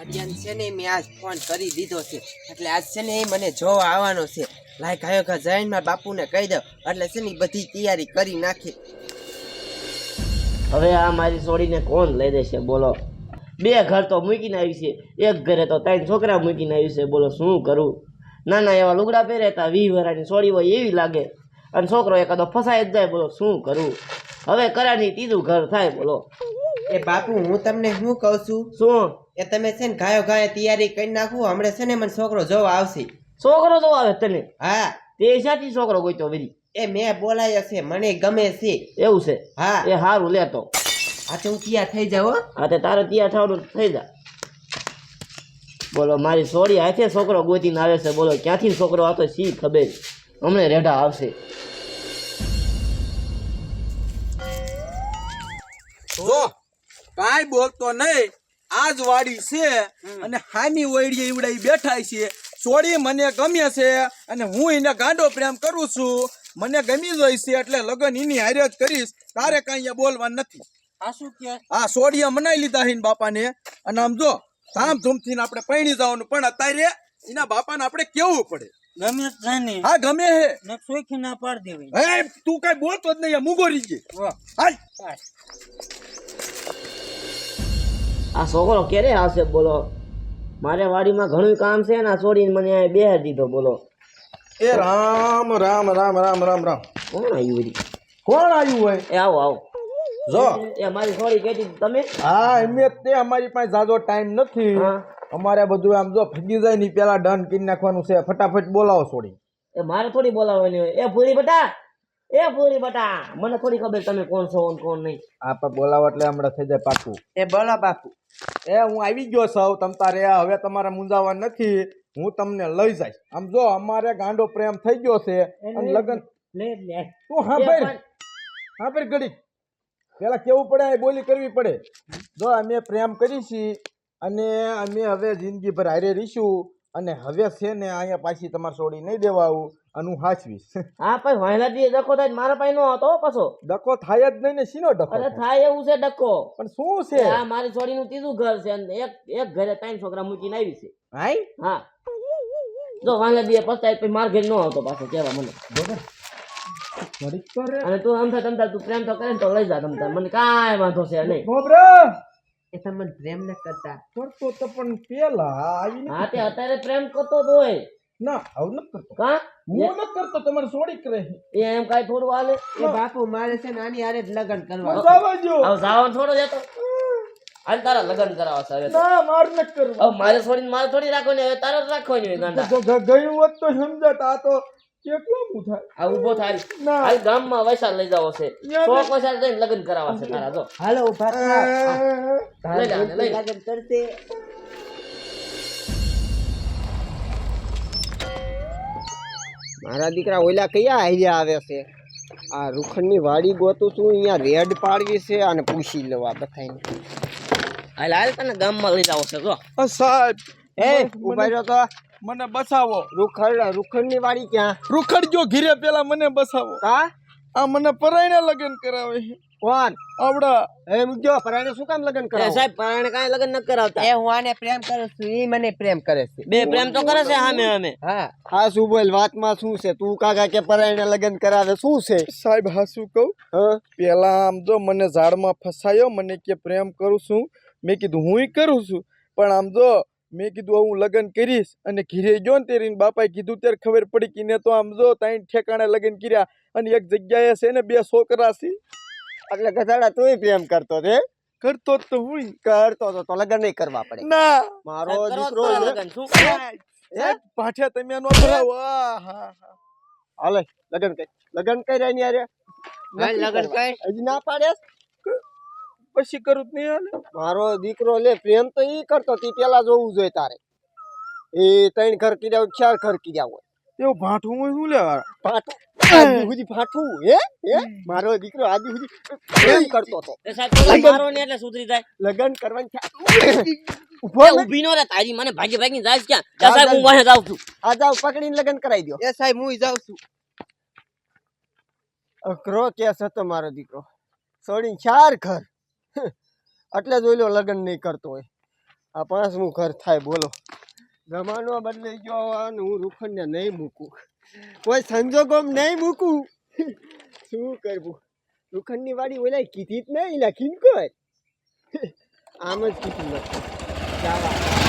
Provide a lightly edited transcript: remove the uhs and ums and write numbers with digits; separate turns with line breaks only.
આર્યન છે ને મેં આજ ફોન કરી દીધો છે એટલે આજ છે ને એ મને જોવા આવવાનો છે. લાય ગાયો ઘા જઈને મારા બાપુને કહી દઉં એટલે છે ને બધી તૈયારી કરી નાખી.
હવે આ મારી છોડીને કોણ લઈ દેશે બોલો? બે ઘર તો મૂકીને આવી છે, એક ઘરે તો ત્રણ છોકરા મૂકીને આવી છે. બોલો શું કરું? નાના એવા લુગડા પહેરે તા 20 વર્ષની છોડી હોય એવી લાગે, અને છોકરો એકાદો ફસાઈ જ જાય. બોલો શું કરું? હવે કરાની ત્રીજું ઘર થાય. બોલો
એ બાપુ હું તમને શું કહું છું,
શું?
એ તમે છે ને ગાયો ગાય તૈયારી કરી નાખો, હમણાં છે ને મને છોકરો જોવા આવશે.
છોકરો તો આવે તને?
હા.
તે સાચી છોકરો ગોઈતો વળી?
એ મેં બોલાયો છે, મને ગમે છે.
એવું છે?
હા.
એ સારું લેતો.
આ તો હું તૈયાર થઈ જાઉં હો.
હા તે તારે ત્યાં થવાનું થઈ જા. બોલો મારી છોડી હાથે છોકરો ગોતીને આવે છે. બોલો ક્યાંથી છોકરો આવતો શી ખબર, હમણે રેઢા આવશે.
જો કાંઈ બોલતો નહીં, આજ વાડી છે અને હામી વૈડીએ ઈવડાઈ બેઠા છે. છોડી મને ગમે છે અને હું એને ગાંડો પ્રેમ કરું છું. મને ગમી જાય છે એટલે લગન એની હારે જ કરીશ. તારે કાંઈ અહીંયા બોલવાનું નથી.
આ શું કે?
આ છોડીએ મનાઈ લીધા છે બાપાને, અને આમ જો ધામધૂમથી આપણે પૈણી જવાનું, પણ અત્યારે એના બાપાને આપણે કેવું પડે.
ગમે છે.
હા ગમે હે
ને સોખી ના પાડ દેવી.
હે તું કઈ બોલતો જ નહીં, મૂગો રહી ગઈ. હાલ
આ છોકરો ક્યારે આવશે? બોલો મારે વાડીમાં ઘણું કામ છે ને આ છોડીને મને અહીંયા બેહાડી દીધો. બોલો
એ રામ રામ રામ રામ રામ રામ.
કોણ આવ્યું વળી?
કોણ આવ્યું હોય?
એ આવો આવો.
જો
એ મારી છોડી કહેતી તમે?
હા એમ તે અમારી પાસે જાજો ટાઈમ નથી.
હા.
અમારે બધું આમ જો ફગી જાય ની પેલા ડન કરી નાખવાનું છે. ફટાફટ બોલાવો છોડી.
એ મારે થોડી બોલાવવાની હોય. એ પૂરી બટા, એ પૂરી બટા, મને થોડી ખબર તમે કોણ છો અને કોણ નહીં.
આપણે બોલાવો એટલે હમણાં થઈ જાય પાકું.
એ બોલો બાપુ.
એ હું આવી ગયો છું. તમ તારે હવે તમારે મૂંઝાવા નથી, હું તમને લઈ જઈશ. આમ જો અમારે ગાંડો પ્રેમ થઈ ગયો છે અને લગન
લે લે.
તું હા ભાઈ ઘડી પેલા કેવું પડે, એ બોલી કરવી પડે. જો અમે પ્રેમ કરીશી અને અમે હવે જિંદગીભર હારે રહીશું, અને હવે છે ને અહીંયા પાછી તમારે છોડી નહીં દેવા આવું, અને હું હાચવીશ.
હા પણ વાયલા દી ડકો થાય મારા પાસે નો હતો પાછો.
ડકો થાય જ નહીં ને, શીનો ડકો?
અરે થાય એવું છે ડકો.
પણ શું છે?
આ મારી છોડીનું ત્રીજું ઘર છે અને એક ઘરે ત્રણ છોકરા મૂકીને આવી છે.
હાય
હા જો વાયલા દી પસ્તાય પછી માર ઘરે નો આવતો પાછો કેવા મને. અને તું આમ થાય તમતા તું પ્રેમ તો કરે ને તો લઈ જા તમતા, મને કાંઈ વાંધો છે નહીં.
એ તમને પ્રેમ ન કરતા?
કરતો તો પણ પેલા આવીને
હા તે અત્યારે પ્રેમ કરતો જ હોય.
ના આવું નથી કરતો.
કા
હું નથી કરતો, તમારે છોડી કરે.
એ એમ કાંઈ થોડું હાલે?
એ બાપુ મારે છે ને આની હારે જ લગ્ન કરવા.
જવા દો.
હવે જાવણ થોડો જતો હાલ તારા લગ્ન કરાવવા છે હવે તો.
ના માર નથી કરવું.
હવે મારે છોડીને મારે થોડી રાખવાની, હવે તારે જ રાખવાની હોય ગાંડા.
તો ગયું હોત તો સમજત. આ તો કેટલું ઊભું થાય.
આ ઊભો થાય
ના.
હાલ ગામમાં વૈશાલ લઈ જાવો છે,
યા
100 વૈશાલ જઈને લગ્ન કરાવવા છે તારા. જો
હાલો ઉભા થાવ.
લઈ લે આને, લઈ લે.
લગ્ન કરશે. મારા દીકરા ઓલા કયા આઈડિયા આવે છે? આ રૂખંડની વાડી ગોતું છું, અહીંયા રેડ પાડવી છે અને પૂછી લેવા બધાને.
હાલ હાલ તને ગામમાં લઈ જાવો છે. જો
સાહેબ
એ ઉભા રહ્યો તો.
મને બસાવો.
રૂખંડની વાડી ક્યાં?
રૂખડ જો ઘીરે પેલા મને બસાવો.
કા?
આ મને પરાયને લગ્ન કરાવે છે.
કોણ?
આવડા
એમ જો પરાણે શું કામ લગ્ન
એ
કરાવો?
સાહેબ પરાણે કાંઈ લગ્ન નથી કરાવતા.
એ હું આને પ્રેમ કરું છું, ઈ મને પ્રેમ કરે છે.
બે પ્રેમ તો કરે છે સામે અમે.
હા હા શું બોલ, વાતમાં શું છે? તું કાકા કે પરાણે લગ્ન કરાવે, શું છે?
સાહેબ હા શું કહું?
હા
પેલા આમ જો મને ઝાડમાં ફસાયો, મને કે પ્રેમ કરું છું. મેં કીધું હુંય કરું છું, પણ આમ જો મેં કીધું હું લગ્ન કરીશ, અને ઘીરે ગયો ને તેરી બાપાએ કીધું ત્યારે ખબર પડી કે ને તો આમ જો ત્રણ ઠેકાણે લગ્ન કર્યા, અને એક જગ્યાએ છે ને 2 છોકરા છે.
એટલે ગધાડા તુંય પ્રેમ કરતો તે?
કરતો જ તો હું
કરતો તો લગ્ન નહીં કરવા પડે.
ના
મારો
કરો
દીકરો
તો
છે.
લગ્ન શું?
સાહેબ પાઠ્યા તમે નો ભરાવો. હા હા
હાલે લગ્ન કર. લગ્ન કર્યા ની યાર.
લગ્ન કર.
હજી ના પાડે?
પછી કરું જ નહીં હાલે.
મારો દીકરો લે પ્રેમ તો ઈ કરતો તી પેલા જોવું જોઈએ તારે. એ 3 ઘર કર્યા હોય, 4 ઘર કર્યા હોય.
એવું ભાઠું હોય શું લેવા?
પાઠું આદિ સુધી પાઠું હે? મારો દીકરો આદિ સુધી પ્રેમ કરતો તો.
એ સાહેબ તો મારો ને એટલે સુધરી જાય.
લગ્ન કરવાની
એ ઊભી નો રે, તારી મને ભાગી ભાગી જાય છે ક્યાં? જા સાહેબ હું વાહે જાઉં છું.
આ જાવ પકડીને લગ્ન કરાવી દો. એ સાહેબ હું જાઉં છું. અઘરો કેસ હતો મારો દીકરો. છોડીને 4 ઘર એટલે જોઈ લો લગ્ન નહીં કરતો હોય.
આ પાંચમું ઘર થાય બોલો. જમાનો બદલાઈ ગયો અને હું રૂખંડને નહીં મૂકું, કોઈ સંજોગોમાં નહીં મૂકું. શું કરવું? રૂખંડની વાડી ઓલા કીધી જ નહીં લખીને કોઈ આમ જ કીધું નથી.